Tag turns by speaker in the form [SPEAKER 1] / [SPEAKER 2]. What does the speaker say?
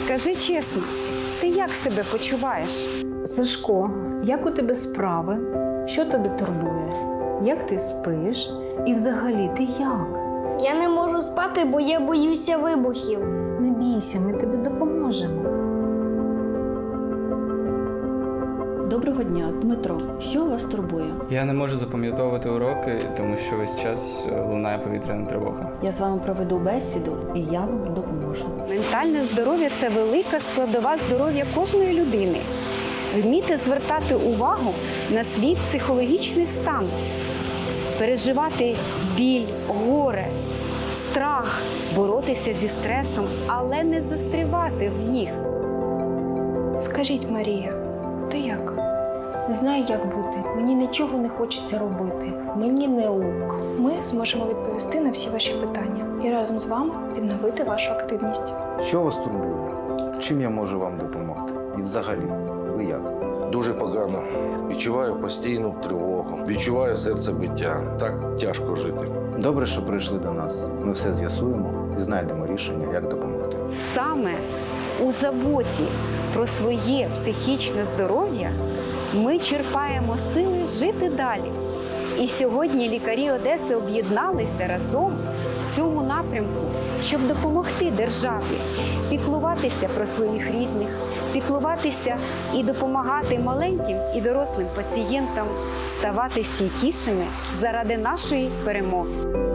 [SPEAKER 1] Скажи чесно, ти як себе почуваєш?
[SPEAKER 2] Сашко, як у тебе справи? Що тебе турбує? Як ти спиш? І взагалі ти як?
[SPEAKER 3] Я не можу спати, бо я боюся вибухів.
[SPEAKER 2] Не бійся, ми тобі допоможемо.
[SPEAKER 4] Доброго дня, Дмитро. Що вас турбує?
[SPEAKER 5] Я не можу запам'ятовувати уроки, тому що весь час лунає повітряна тривога.
[SPEAKER 4] Я з вами проведу бесіду, і я вам допоможу.
[SPEAKER 1] Ментальне здоров'я – це велика складова здоров'я кожної людини. Вміти звертати увагу на свій психологічний стан, переживати біль, горе, страх, боротися зі стресом, але не застрівати в них.
[SPEAKER 6] Скажіть, Марія, ти як?
[SPEAKER 2] Не знаю, як бути. Мені нічого не хочеться робити. Мені не ок.
[SPEAKER 6] Ми зможемо відповісти на всі ваші питання і разом з вами відновити вашу активність.
[SPEAKER 7] Що вас турбує? Чим я можу вам допомогти? І взагалі, ви як?
[SPEAKER 8] Дуже погано. Відчуваю постійну тривогу. Відчуваю серцебиття. Так тяжко жити.
[SPEAKER 7] Добре, що прийшли до нас. Ми все з'ясуємо і знайдемо рішення, як допомогти.
[SPEAKER 1] Саме у заботі про своє психічне здоров'я ми черпаємо сили жити далі. І сьогодні лікарі Одеси об'єдналися разом в цьому напрямку, щоб допомогти державі піклуватися про своїх рідних, піклуватися і допомагати маленьким і дорослим пацієнтам ставати стійкішими заради нашої перемоги.